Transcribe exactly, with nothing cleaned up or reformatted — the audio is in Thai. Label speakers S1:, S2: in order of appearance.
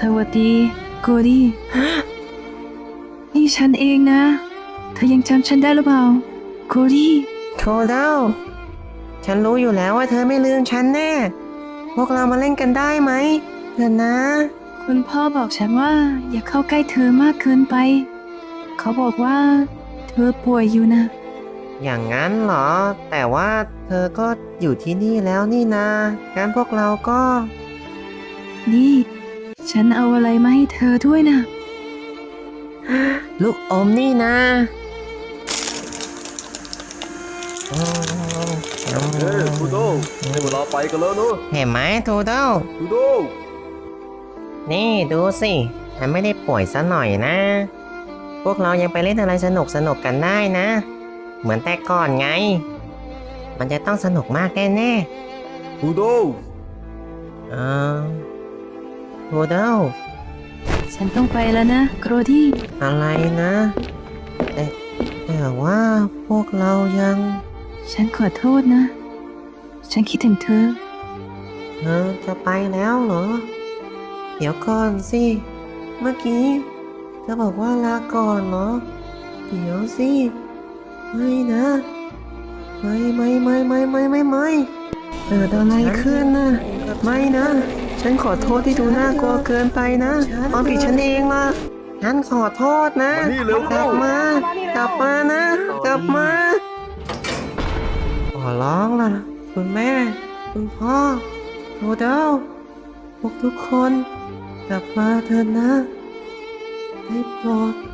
S1: วัสดีโกดี้นี่ฉันเองนะเธอยังจำฉันได้หรือเปล่าโกดี้
S2: โทเดลฉันรู้อยู่แล้วว่าเธอไม่ลืมฉันแน่ พวกเรามาเล่นกันได้ไหมเถอะนะ
S1: คุณพ่อบอกฉันว่าอย่าเข้าใกล้เธอมากเกินไปเขาบอกว่าเธอป่วยอยู่นะ
S2: อย่างนั้นเหรอ แต่ว่าเธอก็อยู่ที่นี่แล้วนี่นางั้นพวกเราก็
S1: นี่ ฉันเอาอะไรมาให้เธอด้วยนะ
S2: ลูกอมนี่นะอืม
S3: เฮ้ยทูโดได้เวลาไปกันแล้วเนอะ
S2: เห็นไหมโทเดล
S3: ทูโด
S2: นี่ดูสิฉันไม่ได้ป่วยซะหน่อยนะ พวกเรายังไปเล่นอะไรสนุกสนุกกันได้นะ เหมือนแต่ก่อนไง มันจะต้องสนุกมากแน่
S3: ทูโด
S2: ๆเออโทเดล
S1: ฉันต้องไปแล้วนะโกดี้
S2: อะไรนะ แต่แต่ว่าพวกเรายัง
S1: ฉันขอโทษนะ ฉันคิดถึงเธอ
S2: เธอจะไปแล้วเหรอ เดี๋ยวก่อนสิ เมื่อกี้เธอบอกว่าลาก่อนเหรอ เดี๋ยวสิ ไม่นะ ไม่ไม่ไม่ไม่ไม่ไม่ไม่เกิดอะไรขึ้นนะไม่นะ ฉันขอโทษที่ดูน่ากลัวเกินไปนะความผิดฉันเองล่ะ ฉันขอโทษนะ
S3: มานี่เร็ว
S2: ก
S3: เข้า
S2: ลับมา กลับมานะ กลับมา ขอร้องล่ะ คุณแม่ คุณพ่อโทเดลพวกทุกคน กลับมาเถอะนะได้โปรด